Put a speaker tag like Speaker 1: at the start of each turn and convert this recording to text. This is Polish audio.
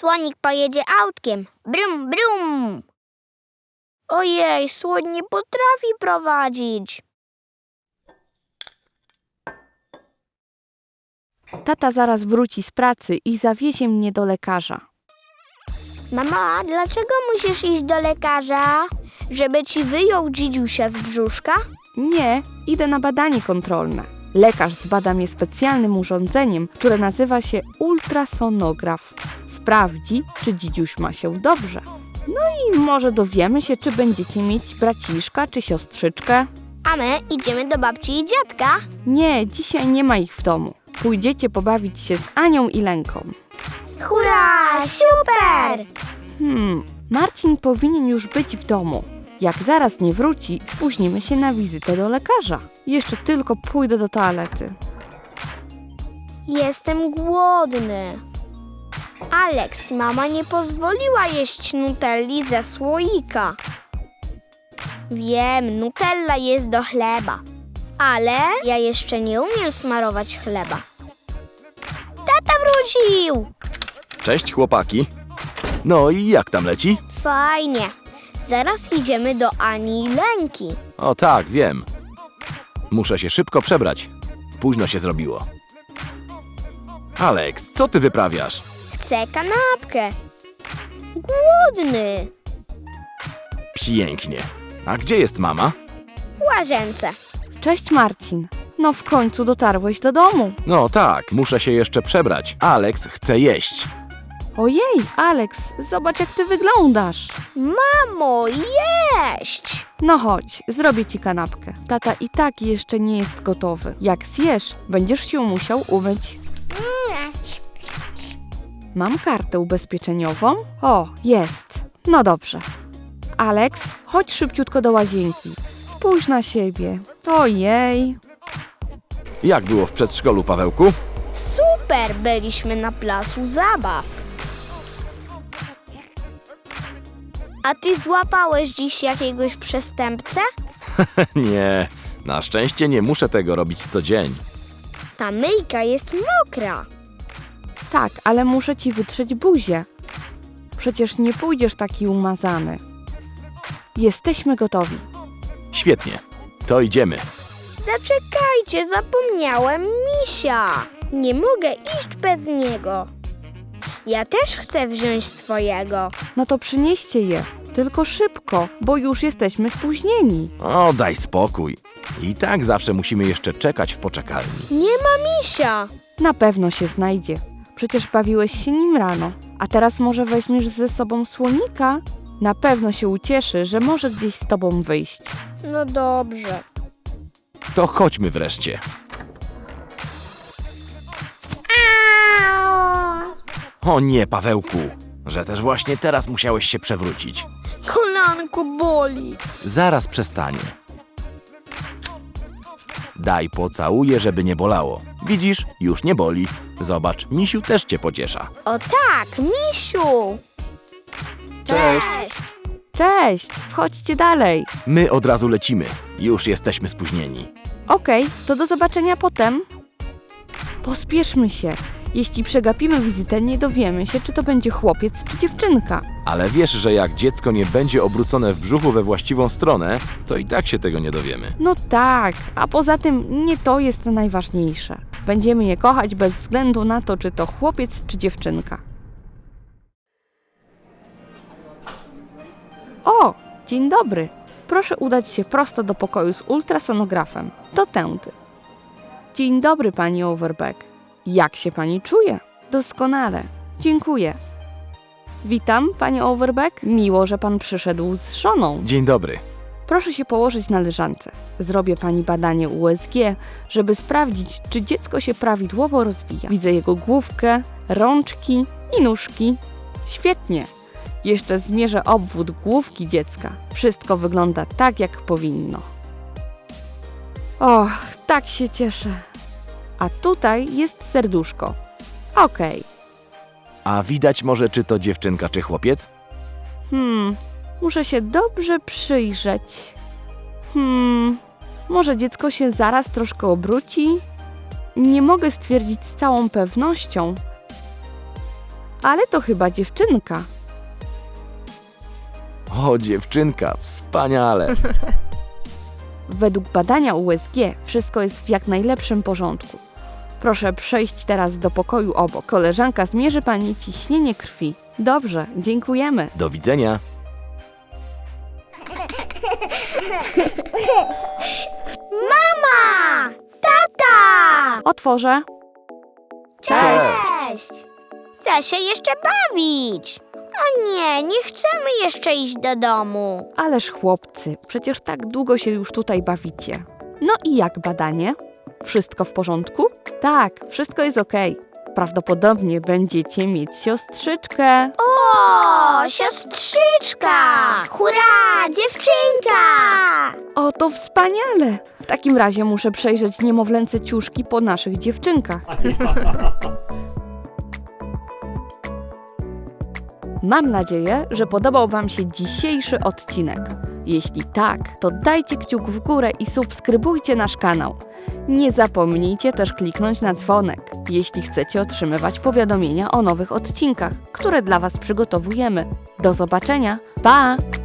Speaker 1: Słonik pojedzie autkiem. Brum, brum. Ojej, słoń nie potrafi prowadzić.
Speaker 2: Tata zaraz wróci z pracy i zawiezie mnie do lekarza.
Speaker 1: Mama, dlaczego musisz iść do lekarza? Żeby ci wyjął dzidziusia z brzuszka?
Speaker 2: Nie, idę na badanie kontrolne. Lekarz zbada mnie specjalnym urządzeniem, które nazywa się ultrasonograf. Sprawdzi, czy dzidziuś ma się dobrze. No i może dowiemy się, czy będziecie mieć braciszka czy siostrzyczkę.
Speaker 1: A my idziemy do babci i dziadka.
Speaker 2: Nie, dzisiaj nie ma ich w domu. Pójdziecie pobawić się z Anią i Lenką.
Speaker 1: Hurra, super!
Speaker 2: Marcin powinien już być w domu. Jak zaraz nie wróci, spóźnimy się na wizytę do lekarza. Jeszcze tylko pójdę do toalety.
Speaker 1: Jestem głodny. Aleks, mama nie pozwoliła jeść nutelli ze słoika. Wiem, nutella jest do chleba. Ale ja jeszcze nie umiem smarować chleba. Tata wrócił!
Speaker 3: Cześć chłopaki. No i jak tam leci?
Speaker 1: Fajnie. Zaraz idziemy do Ani i Lenki.
Speaker 3: O tak, wiem. Muszę się szybko przebrać. Późno się zrobiło. Aleks, co ty wyprawiasz?
Speaker 1: Chcę kanapkę. Głodny.
Speaker 3: Pięknie. A gdzie jest mama?
Speaker 1: W łazience.
Speaker 2: Cześć Marcin. No w końcu dotarłeś do domu.
Speaker 3: No tak, muszę się jeszcze przebrać. Aleks chce jeść.
Speaker 2: Ojej, Aleks, zobacz jak ty wyglądasz.
Speaker 1: Mamo, jeść!
Speaker 2: No chodź, zrobię ci kanapkę. Tata i tak jeszcze nie jest gotowy. Jak zjesz, będziesz się musiał umyć. Mam kartę ubezpieczeniową? O, jest. No dobrze. Aleks, chodź szybciutko do łazienki. Spójrz na siebie. Ojej.
Speaker 3: Jak było w przedszkolu, Pawełku?
Speaker 1: Super, byliśmy na placu zabaw. A ty złapałeś dziś jakiegoś przestępcę?
Speaker 3: Nie, na szczęście nie muszę tego robić co dzień.
Speaker 1: Ta myjka jest mokra.
Speaker 2: Tak, ale muszę ci wytrzeć buzię. Przecież nie pójdziesz taki umazany. Jesteśmy gotowi.
Speaker 3: Świetnie, to idziemy.
Speaker 1: Zaczekajcie, zapomniałem misia. Nie mogę iść bez niego. Ja też chcę wziąć swojego.
Speaker 2: No to przynieście je. Tylko szybko, bo już jesteśmy spóźnieni.
Speaker 3: O, daj spokój. I tak zawsze musimy jeszcze czekać w poczekalni.
Speaker 1: Nie ma misia.
Speaker 2: Na pewno się znajdzie. Przecież bawiłeś się nim rano. A teraz może weźmiesz ze sobą słonika? Na pewno się ucieszy, że może gdzieś z tobą wyjść.
Speaker 1: No dobrze.
Speaker 3: To chodźmy wreszcie. O nie, Pawełku, że też właśnie teraz musiałeś się przewrócić.
Speaker 1: Kolanko boli.
Speaker 3: Zaraz przestanie. Daj pocałuję, żeby nie bolało. Widzisz, już nie boli. Zobacz, misiu też cię pociesza.
Speaker 1: O tak, misiu.
Speaker 3: Cześć.
Speaker 2: Cześć, wchodźcie dalej.
Speaker 3: My od razu lecimy. Już jesteśmy spóźnieni.
Speaker 2: Okej, to do zobaczenia potem. Pospieszmy się. Jeśli przegapimy wizytę, nie dowiemy się, czy to będzie chłopiec, czy dziewczynka.
Speaker 3: Ale wiesz, że jak dziecko nie będzie obrócone w brzuchu we właściwą stronę, to i tak się tego nie dowiemy.
Speaker 2: No tak, a poza tym nie to jest najważniejsze. Będziemy je kochać bez względu na to, czy to chłopiec, czy dziewczynka. O, dzień dobry. Proszę udać się prosto do pokoju z ultrasonografem. To tędy. Dzień dobry, pani Overbeck. Jak się pani czuje? Doskonale. Dziękuję. Witam, panie Overbeck. Miło, że pan przyszedł z żoną.
Speaker 3: Dzień dobry.
Speaker 2: Proszę się położyć na leżance. Zrobię pani badanie USG, żeby sprawdzić, czy dziecko się prawidłowo rozwija. Widzę jego główkę, rączki i nóżki. Świetnie. Jeszcze zmierzę obwód główki dziecka. Wszystko wygląda tak, jak powinno. Och, tak się cieszę. A tutaj jest serduszko. Okej.
Speaker 3: A widać może, czy to dziewczynka, czy chłopiec?
Speaker 2: Muszę się dobrze przyjrzeć. Może dziecko się zaraz troszkę obróci? Nie mogę stwierdzić z całą pewnością. Ale to chyba dziewczynka.
Speaker 3: O, dziewczynka, wspaniale.
Speaker 2: Według badania USG wszystko jest w jak najlepszym porządku. Proszę przejść teraz do pokoju obok. Koleżanka zmierzy pani ciśnienie krwi. Dobrze, dziękujemy.
Speaker 3: Do widzenia.
Speaker 1: Mama! Tata!
Speaker 2: Otworzę.
Speaker 1: Cześć! Chcę się jeszcze bawić. O nie, nie chcemy jeszcze iść do domu.
Speaker 2: Ależ chłopcy, przecież tak długo się już tutaj bawicie. No i jak badanie? Wszystko w porządku? Tak, wszystko jest okej. Prawdopodobnie będziecie mieć siostrzyczkę.
Speaker 1: O, siostrzyczka! Hurra, dziewczynka!
Speaker 2: O, to wspaniale! W takim razie muszę przejrzeć niemowlęce ciuszki po naszych dziewczynkach. Mam nadzieję, że podobał Wam się dzisiejszy odcinek. Jeśli tak, to dajcie kciuk w górę i subskrybujcie nasz kanał. Nie zapomnijcie też kliknąć na dzwonek, jeśli chcecie otrzymywać powiadomienia o nowych odcinkach, które dla Was przygotowujemy. Do zobaczenia! Pa!